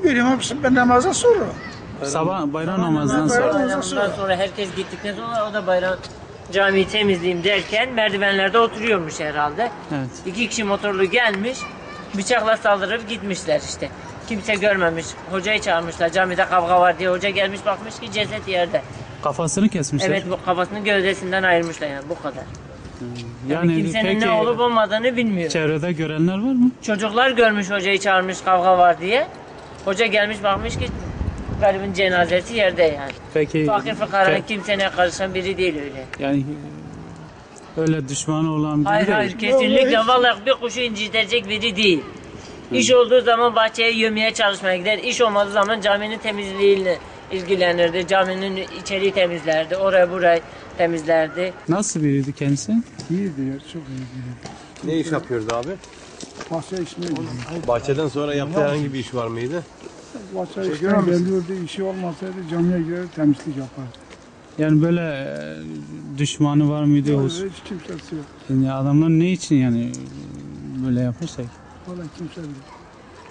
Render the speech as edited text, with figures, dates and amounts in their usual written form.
Görüyorum hepsi ben namazdan sonra. Sabah bayram namazından Bayram sonra. namazından Sonra herkes gittikten sonra o da bayram camiyi temizleyeyim derken merdivenlerde oturuyormuş herhalde. Evet. 2 kişi motorlu gelmiş, bıçakla saldırıp gitmişler işte. Kimse görmemiş. Hocayı çağırmışlar. Camide kavga var diye. Hoca gelmiş bakmış ki ceset yerde. Kafasını kesmişler. Evet, bu kafasını gövdesinden ayırmışlar yani bu kadar. Yani Kimsenin peki ne olup olmadığını bilmiyor. çevrede görenler var mı? Çocuklar görmüş hocayı çağırmış kavga var diye. Hoca gelmiş bakmış ki garibin cenazesi yerde yani. Peki Fakir fukaranın kimseye karışan biri değil öyle. yani öyle düşmanı olan biri Hayır değil. hayır kesinlikle vallahi bir kuşu incitecek biri değil. İş olduğu zaman bahçeye yövmeye çalışmaya gider. İş olmadığı zaman caminin temizliğiyle ilgilenirdi. Caminin içeriği temizlerdi. Orayı burayı temizlerdi. Nasıl biriydi kendisi? İyiydi ya, çok iyiydi. Ne iş yapıyordu abi? Bahçe işine gidiyor. Bahçeden sonra yaptığı herhangi bir iş var mıydı? Bahçe işine geliyordu, işi olmasaydı camiye girer temizlik yapardı. Yani böyle düşmanı var mıydı? Hiç kimsesi yok. Yani adamlar ne için yani böyle yaparsa? Valla kimse yok.